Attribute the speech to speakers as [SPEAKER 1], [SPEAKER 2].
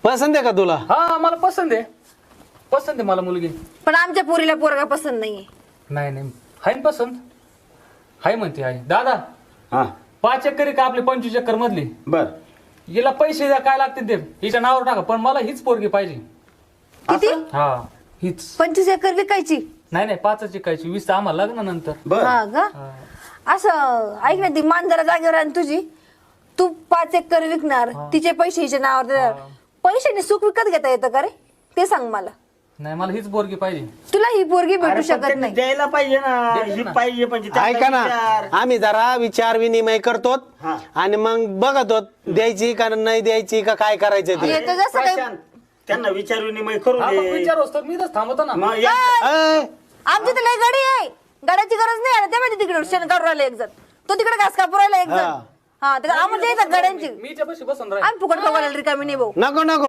[SPEAKER 1] पसंत आहे का तुला?
[SPEAKER 2] हा मला पसंत आहे मला मुलगी.
[SPEAKER 3] पण आमच्या पोरीला पोरगा पसंत नाहीये.
[SPEAKER 2] नाही हाय ना पसंत. हाय म्हणते आहे. दादा
[SPEAKER 4] हा
[SPEAKER 2] 5 एकर का आपली 25 एकर मधली?
[SPEAKER 4] बर
[SPEAKER 2] हिला पैसे द्या काय लागतील ते हिच्या नावावर टाका, पण मला हीच पोरगी पाहिजे.
[SPEAKER 3] किती?
[SPEAKER 2] हा हीच.
[SPEAKER 3] 25 एकर विकायची?
[SPEAKER 2] नाही 5च शिकायची, 20 आम्हाला लग्नानंतर.
[SPEAKER 4] बर
[SPEAKER 3] हा का? असं ऐक ना, ती मांजरा जागेवर आणि तुझी तू 5 एकर विकणार, तिचे पैसे हिच्या नावावर देणार. पैशाने सुख विकत घेता येतं का रे? ते सांग मला.
[SPEAKER 2] नाही मला हीच पोरगी पाहिजे.
[SPEAKER 3] तुला ही पोरगी भेटू
[SPEAKER 4] अरे पण
[SPEAKER 3] शकत
[SPEAKER 4] त्यांनी
[SPEAKER 3] नाही.
[SPEAKER 4] द्यायला पाहिजे ना.
[SPEAKER 2] देतात
[SPEAKER 4] ही
[SPEAKER 2] ना.
[SPEAKER 4] पाहिजे म्हणजे त्यांना
[SPEAKER 1] ऐका ना,
[SPEAKER 4] विचार.
[SPEAKER 1] आम्ही जरा विचार विनिमय करतो
[SPEAKER 4] हा.
[SPEAKER 1] आणि मग बघतो द्यायची का नाही द्यायची का काय करायचं ते.
[SPEAKER 3] येतं जसं काही
[SPEAKER 4] प्रशांत, त्यांना विचार विनिमय करू
[SPEAKER 2] हा मग
[SPEAKER 4] दे.
[SPEAKER 2] विचार असतो मी तर थांबतो ना.
[SPEAKER 4] मग या-
[SPEAKER 1] अय,
[SPEAKER 3] आमची तर लय गाडी आहे, गाड्याची गरज नाही आहे. ते माहिती तिकडे शेण काढून राहिला एक जण, तो तिकडे घास कापू राहिला एक जण.
[SPEAKER 1] हा.
[SPEAKER 3] हा तर आम्हाला द्यायचं गाड्यांची.
[SPEAKER 2] मी त्यापाशी बसून राहील.
[SPEAKER 3] आम्ही फुकट बघायला रिकामी नाही भाऊ.
[SPEAKER 1] नको नको